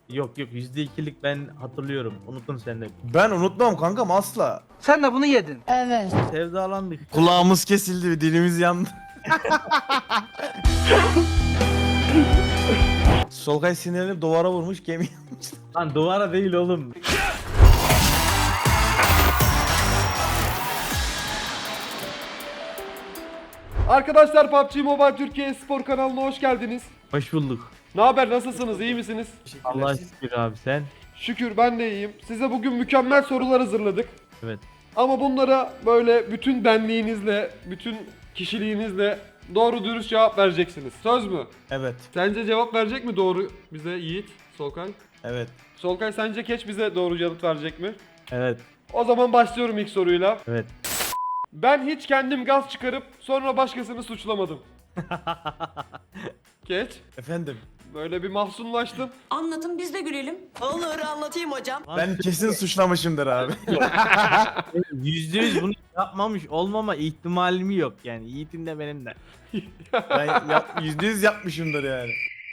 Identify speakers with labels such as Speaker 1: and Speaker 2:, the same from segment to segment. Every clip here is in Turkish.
Speaker 1: Yok yok, %2'lik ben hatırlıyorum. Unutun sen de.
Speaker 2: Ben unutmam kankam asla.
Speaker 3: Sen de bunu yedin.
Speaker 4: Evet.
Speaker 1: Sevdalandık.
Speaker 2: Kulağımız kesildi, dilimiz yandı. Solkay sinirlenip duvara vurmuş, gemi yanmış.
Speaker 1: Lan duvara değil oğlum.
Speaker 5: Arkadaşlar PUBG Mobile Türkiye Spor kanalına hoş geldiniz.
Speaker 1: Hoş bulduk.
Speaker 5: Ne haber, nasılsınız, iyi misiniz?
Speaker 1: Allah şükür abi, sen.
Speaker 5: Şükür ben de iyiyim. Size bugün mükemmel sorular hazırladık.
Speaker 1: Evet.
Speaker 5: Ama bunlara böyle bütün benliğinizle, bütün kişiliğinizle doğru dürüst cevap vereceksiniz. Söz mü?
Speaker 2: Evet,
Speaker 5: Sence cevap verecek mi doğru bize Yiğit, Solkay?
Speaker 2: evet.
Speaker 5: Solkay sence Keç bize doğru yanıt verecek mi?
Speaker 1: Evet.
Speaker 5: O zaman başlıyorum ilk soruyla.
Speaker 1: Evet.
Speaker 5: Ben hiç kendim gaz çıkarıp sonra başkasını suçlamadım. Keç,
Speaker 2: Efendim,
Speaker 5: böyle bir mahzunlaştın.
Speaker 4: Anlatın biz de gülelim. Olur anlatayım hocam.
Speaker 2: ben kesin suçlamışımdır abi.
Speaker 1: %100 bunu yapmamış olmama ihtimalimi yok yani. Yiğit'in de benim de.
Speaker 2: Ben %100 yapmışımdır yani.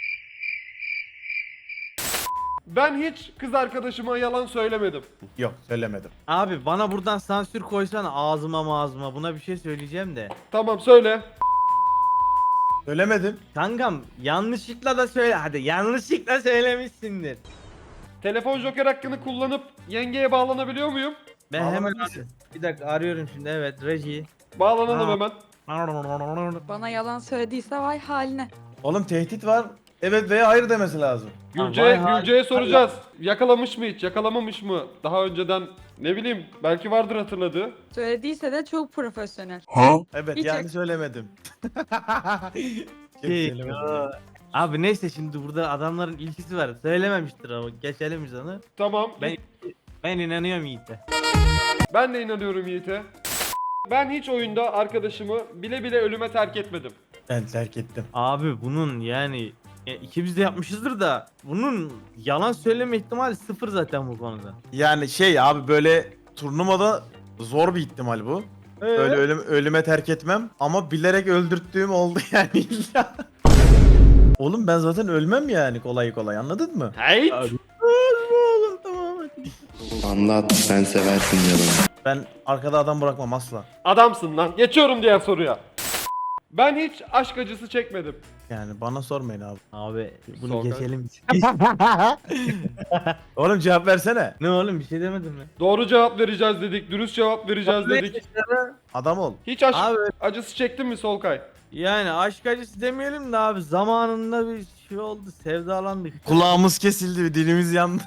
Speaker 5: Ben hiç kız arkadaşıma yalan söylemedim.
Speaker 2: Yok, söylemedim.
Speaker 1: Abi bana buradan sansür koysana ağzıma. Buna bir şey söyleyeceğim de.
Speaker 5: Tamam söyle.
Speaker 2: Söylemedim.
Speaker 1: Kankam yanlışlıkla da söyle. Hadi yanlışlıkla söylemişsindir.
Speaker 5: Telefon joker hakkını kullanıp yengeye bağlanabiliyor muyum?
Speaker 1: Ben hemen
Speaker 2: Bağlanabilirsin.
Speaker 1: bir dakika arıyorum şimdi, evet, reji.
Speaker 5: Bağlanalım
Speaker 1: Ha.
Speaker 5: hemen.
Speaker 6: Bana yalan söylediyse vay haline.
Speaker 2: Oğlum tehdit var. Evet veya hayır demesi lazım.
Speaker 5: Gülce'ye soracağız. Yakalamış mı hiç? Yakalamamış mı? Daha önceden ne bileyim belki vardır hatırladığı.
Speaker 6: Söylediyse de çok profesyonel.
Speaker 2: Evet
Speaker 6: Hiç
Speaker 2: yani
Speaker 6: yok.
Speaker 2: söylemedim. Söylemedim.
Speaker 1: Abi neyse, şimdi burada adamların ilkisi var. Söylememiştir ama geçelim biz onu.
Speaker 5: Tamam.
Speaker 1: Ben inanıyorum Yiğit'e.
Speaker 5: Ben de inanıyorum Yiğit'e. Ben hiç oyunda arkadaşımı bile bile ölüme terk etmedim.
Speaker 2: Ben terk ettim.
Speaker 1: Abi bunun yani ikimiz de yapmışızdır da bunun yalan söyleme ihtimali sıfır zaten bu konuda.
Speaker 2: Yani şey abi, böyle turnuvada zor bir ihtimal bu. Öyle ölüme terk etmem ama bilerek öldürttüğüm oldu yani illa. Oğlum ben zaten ölmem yani kolay kolay, anladın mı?
Speaker 5: Hey!
Speaker 1: Abi. Oğlum tamam hadi.
Speaker 7: Anlat, sen seversin yalanı.
Speaker 2: Ben arkada adam bırakmam asla.
Speaker 5: Adamsın lan. Geçiyorum diğer soruya. Ben hiç aşk acısı çekmedim.
Speaker 2: Yani bana sormayın abi.
Speaker 1: Abi bunu
Speaker 5: Solkay.
Speaker 1: geçelim.
Speaker 2: Oğlum cevap versene.
Speaker 1: Ne oğlum, bir şey demedim mi?
Speaker 5: Doğru cevap vereceğiz dedik. Dürüst cevap vereceğiz dedik.
Speaker 2: Adam ol.
Speaker 5: Hiç aşk
Speaker 1: Abi
Speaker 5: acısı çektin mi Solkay?
Speaker 1: yani aşk acısı demeyelim de abi, zamanında bir şey oldu, sevdalandık.
Speaker 2: Kulağımız kesildi, dilimiz yandı.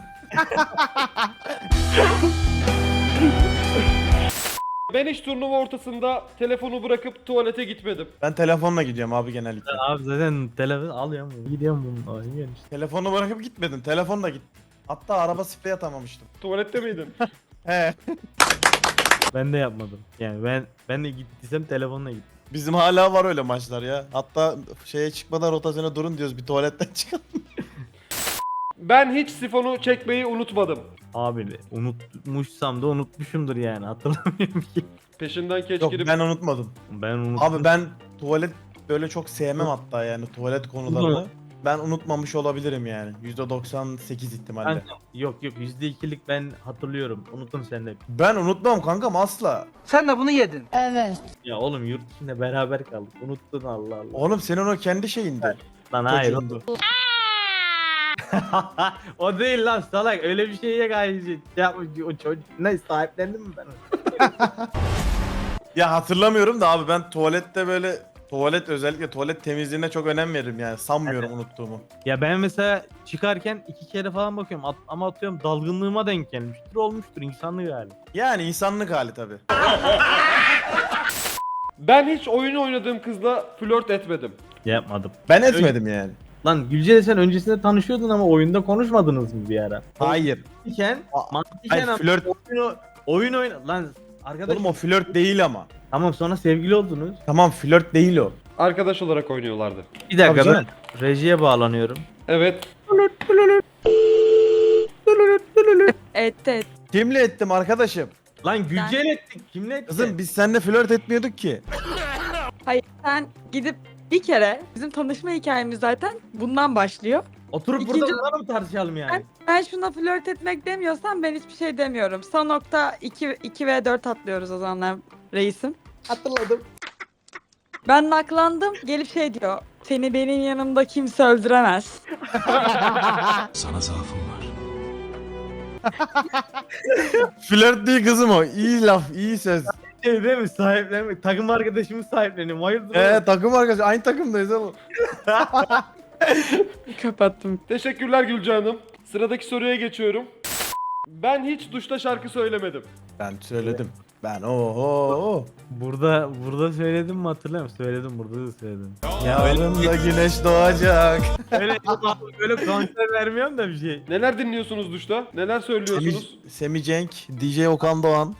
Speaker 5: Ben hiç turnuva ortasında telefonu bırakıp tuvalete gitmedim.
Speaker 2: Ben telefonla gidiyorum abi genellikle.
Speaker 1: Abi zaten telefon alıyorum bunu. Gidiyorum bunu. Oynuyorum işte.
Speaker 2: Telefonu bırakıp gitmedim. Telefonla git. Hatta araba sprey atamamıştım.
Speaker 5: Tuvalette miydin?
Speaker 2: He.
Speaker 1: Ben de yapmadım. Yani ben de gittiysem telefonla gittim.
Speaker 2: Bizim hala var öyle maçlar ya. Hatta şeye çıkmadan rotasyona durun diyoruz, bir tuvaletten çıkalım.
Speaker 5: Ben hiç sifonu çekmeyi unutmadım.
Speaker 1: Abi unutmuşsam da unutmuşumdur yani, hatırlamıyorum ki.
Speaker 5: Peşinden keç
Speaker 2: Yok
Speaker 5: girip
Speaker 2: ben unutmadım.
Speaker 1: Ben unuttum.
Speaker 2: Abi ben tuvalet böyle çok sevmem hatta, yani tuvalet konularını. Ben unutmamış olabilirim yani. %98 ihtimalle.
Speaker 1: Yok yok, %2'lik ben hatırlıyorum. Unutun sen de.
Speaker 2: Ben unutmam kankam asla.
Speaker 3: Sen de bunu yedin.
Speaker 4: Evet.
Speaker 1: Ya oğlum, yurt içinde beraber kaldık. Unuttun, Allah Allah.
Speaker 2: Oğlum senin o kendi şeyindi.
Speaker 1: Lan hayır.
Speaker 2: Çocuğundu.
Speaker 1: O değil lan salak, öyle bir şeye gayet yapmış o çocuk. Ne, sahiplendim mi ben onu?
Speaker 2: Ya hatırlamıyorum da abi, ben tuvalette böyle özellikle tuvalet temizliğine çok önem veririm yani, sanmıyorum unuttuğumu.
Speaker 1: Ya ben mesela çıkarken 2 kere falan bakıyorum ama atıyorum dalgınlığıma denk gelmiştir, olmuştur, insanlık hali.
Speaker 2: Yani insanlık hali tabi.
Speaker 5: ben hiç oyun oynadığım kızla flört etmedim.
Speaker 1: Yapmadım.
Speaker 2: Ben etmedim yani.
Speaker 1: Lan Gülce, sen öncesinde tanışıyordun ama oyunda konuşmadınız mı bir ara?
Speaker 2: Hayır.
Speaker 1: Mantıken, mantıken
Speaker 2: Hayır,
Speaker 1: ama
Speaker 2: flört.
Speaker 1: oyun lan arkadaş.
Speaker 2: Oğlum o flört değil ama.
Speaker 1: Tamam, sonra sevgili oldunuz.
Speaker 2: Tamam, flört değil o.
Speaker 5: Arkadaş olarak oynuyorlardı.
Speaker 1: Bir dakika,
Speaker 2: Tabii
Speaker 1: ben
Speaker 2: canım.
Speaker 1: rejiye bağlanıyorum.
Speaker 5: Evet.
Speaker 6: Evet.
Speaker 2: Kimle ettim arkadaşım?
Speaker 1: Lan Gülce'yle ettik. Kimle ettik?
Speaker 2: Kızım biz seninle flört etmiyorduk ki.
Speaker 6: Hayır, sen gidip bir kere, bizim tanışma hikayemiz zaten bundan başlıyor.
Speaker 1: Oturup
Speaker 6: İkinci-
Speaker 1: burada bunları mı tartışalım yani?
Speaker 6: Ben şuna flört etmek demiyorsam ben hiçbir şey demiyorum. Son nokta 2 ve 4 atlıyoruz o zamanlar reisim.
Speaker 2: Hatırladım.
Speaker 6: Ben naklandım. Gelip şey diyor. Seni benim yanımda kimse öldüremez.
Speaker 2: Flört değil kızım o. İyi laf, iyi söz.
Speaker 1: Şey değil mi? Sahiplenmek. Takım arkadaşımız sahipleniyor. Hayırdır? oğlum?
Speaker 2: Takım arkadaşı. Aynı takımdayız oğlum.
Speaker 6: Kapattım.
Speaker 5: Teşekkürler Gülce Hanım. Sıradaki soruya geçiyorum. Ben hiç duşta şarkı söylemedim.
Speaker 2: Ben söyledim. Ben oho.
Speaker 1: Burada söyledim mi hatırlamıyorum. Söyledim, burada da söyledim.
Speaker 2: Yarın da güneş doğacak.
Speaker 1: Öyle konser vermiyorum da bir şey.
Speaker 5: Neler dinliyorsunuz duşta? Neler söylüyorsunuz?
Speaker 2: Semih Cenk, DJ Okan Doğan.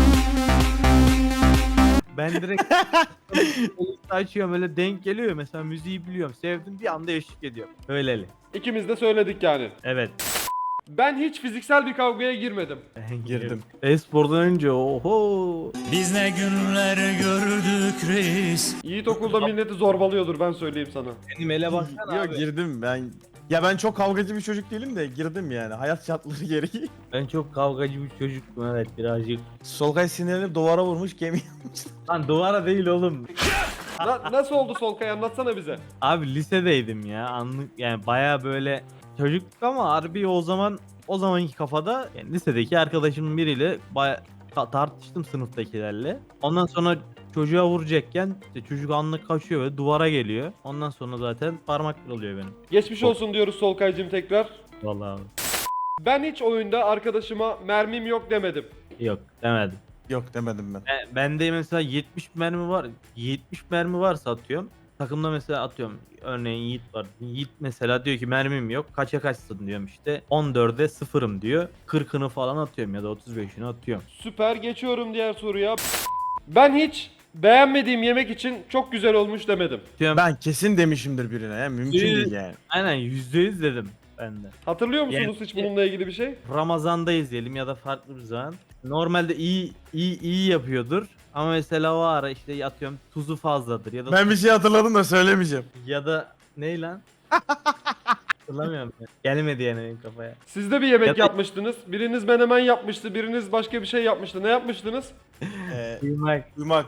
Speaker 1: Ben direkt açıyorum, öyle denk geliyor. Mesela müziği biliyorum, sevdim, bir anda eşlik ediyorum. Öyleli.
Speaker 5: İkimiz de söyledik yani.
Speaker 1: Evet.
Speaker 5: Ben hiç fiziksel bir kavgaya girmedim.
Speaker 1: Ben
Speaker 2: Girdim.
Speaker 1: E-spordan önce oho.
Speaker 3: Biz ne günler gördük reis.
Speaker 5: Yiğit okulda milleti zorbalıyordur ben söyleyeyim sana.
Speaker 1: Benim ele baksana
Speaker 2: Yok
Speaker 1: abi.
Speaker 2: girdim ben. Ya ben çok kavgacı bir çocuk değilim de girdim yani. Hayat şartları gereği.
Speaker 1: Ben çok kavgacı bir çocuktum, evet, birazcık.
Speaker 2: Solkay sinirlenip duvara vurmuş gemi.
Speaker 1: Lan duvara değil oğlum.
Speaker 5: Nasıl oldu Solkay anlatsana bize.
Speaker 1: Abi lisedeydim ya, anlık yani, baya böyle çocuktuk ama harbi o zamanki kafada yani lisedeki arkadaşımın biriyle baya tartıştım sınıftakilerle. Ondan sonra çocuğa vuracakken işte çocuk anlık kaçıyor ve duvara geliyor. Ondan sonra zaten parmak kırılıyor benim.
Speaker 5: Geçmiş olsun diyoruz Solkay'cığım tekrar.
Speaker 1: Vallahi abi.
Speaker 5: Ben hiç oyunda arkadaşıma mermim yok demedim.
Speaker 1: Yok demedim.
Speaker 2: Yok demedim ben.
Speaker 1: Bende mesela 70 mermi var. 70 mermi varsa atıyorum. Takımda mesela atıyorum. Örneğin Yiğit var. Yiğit mesela diyor ki mermim yok. Kaça kaçsın diyorum işte. 14'e 0'ım diyor. 40'ını falan atıyorum ya da 35'ini atıyorum.
Speaker 5: Süper geçiyorum diğer soruya. Ben hiç beğenmediğim yemek için çok güzel olmuş demedim.
Speaker 1: Diyorum,
Speaker 2: Ben kesin demişimdir birine ya. Mümkün değil yani.
Speaker 1: aynen %100 dedim ben de.
Speaker 5: Hatırlıyor musunuz
Speaker 1: Yani-
Speaker 5: hiç bununla ilgili bir şey?
Speaker 1: Ramazan'da izleyelim ya da farklı bir zaman. Normalde iyi yapıyordur. Ama mesela o ara işte atıyorum tuzu fazladır ya da
Speaker 2: Ben bir şey hatırladım da söylemeyeceğim.
Speaker 1: ya da ne lan? Hatırlamıyorum. Gelmedi yani benim kafaya.
Speaker 5: Siz de bir yemek
Speaker 1: Ya da-
Speaker 5: yapmıştınız. Biriniz menemen yapmıştı, biriniz başka bir şey yapmıştı. Ne yapmıştınız?
Speaker 1: Duymak.
Speaker 2: Uyumak.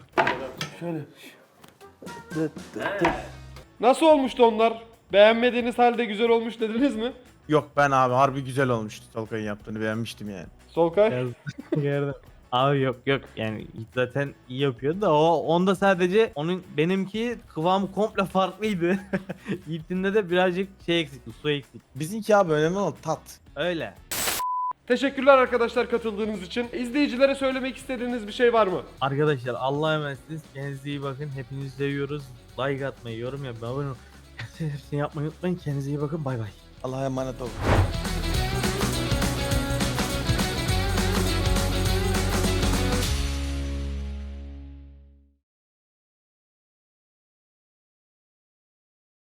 Speaker 5: Nasıl olmuştu onlar? Beğenmediğiniz halde güzel olmuş dediniz mi?
Speaker 2: Yok ben abi harbi güzel olmuştu Solkay'ın yaptığını beğenmiştim yani.
Speaker 5: Solkay?
Speaker 1: Gördüm. Abi yok yani zaten iyi yapıyordu da onda sadece benimki kıvamı komple farklıydı. Yiğit'inde de birazcık şey eksikti, su eksikti.
Speaker 2: Bizimki abi önemli olan tat.
Speaker 1: Öyle.
Speaker 5: Teşekkürler arkadaşlar katıldığınız için. İzleyicilere söylemek istediğiniz bir şey var mı?
Speaker 1: Arkadaşlar Allah'a emanetsiniz. Kendinize iyi bakın. Hepinizi seviyoruz. Like atmayı, yorum yapmayı, abone olmayı, hepsini yapmayı unutmayın. Kendinize iyi bakın. Bay bay.
Speaker 2: Allah'a emanet olun.